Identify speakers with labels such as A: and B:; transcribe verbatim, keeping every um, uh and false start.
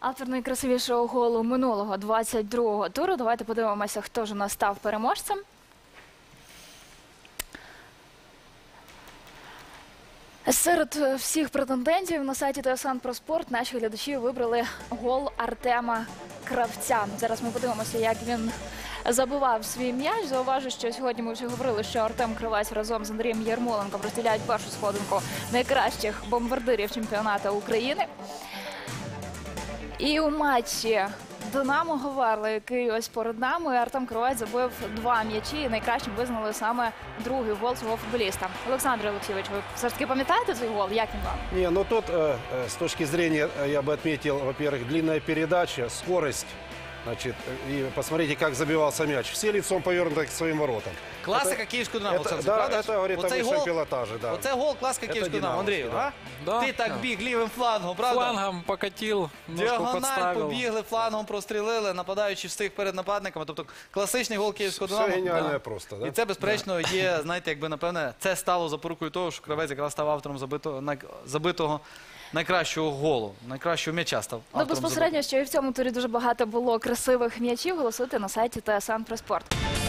A: Автор найкрасивішого голу минулого двадцять другого туру. Давайте подивимося, хто ж у нас став переможцем. Серед всіх претендентів на сайті Т С Н про спорт наші глядачі вибрали гол Артема Кравця. Зараз ми подивимося, як він забивав свій м'яч. Зауважу, що сьогодні ми вже говорили, що Артем Кравець разом з Андрієм Ярмоленком розділяють першу сходинку найкращих бомбардирів чемпіонату України. І у матчі Динамо Говерла, який ось перед нами, Артем Кравець забив два м'ячі і найкращим визнали саме другий гол свого футболіста. Олександр Олексійович, ви все ж таки пам'ятаєте цей гол? Як він вам?
B: Не, ну тут э, с точки зрения, я бы отметил, во-первых, длинная передача, скорость. Значит, и посмотрите, как забивался мяч. Все лицом повернуты к своим воротам.
C: Класика київського «Динамо».
B: Это,
C: Олександр,
B: да,
C: правда?
B: это говорит о
C: Оцей
B: высшем
C: гол,
B: пилотаже. Да.
C: оце гол класика
B: Это
C: київського «Динамо». Андрію,
B: динамовський,
C: а?
B: да.
D: Да,
C: Ти так
D: да.
C: біг лівим флангом, правда?
D: Флангом покатил, немножко
C: Діагональ
D: подставил.
C: побігли, флангом прострілили, нападаючи встиг перед нападниками. Тобто класичний гол київського
B: Все
C: «Динамо».
B: гениальное
C: Да.
B: просто, да?
C: І це, безперечно, є, знаєте, якби, напевне, це стало запорукою того, що Кравець якраз став автором забитого, най- забитого найкращого голу, найкращого м'яча став
A: Ну,
C: автором
A: безпосередньо, що і в цьому турі дуже багато було красивих м'ячів. Голосуйте на сайті Т С Н про спорт.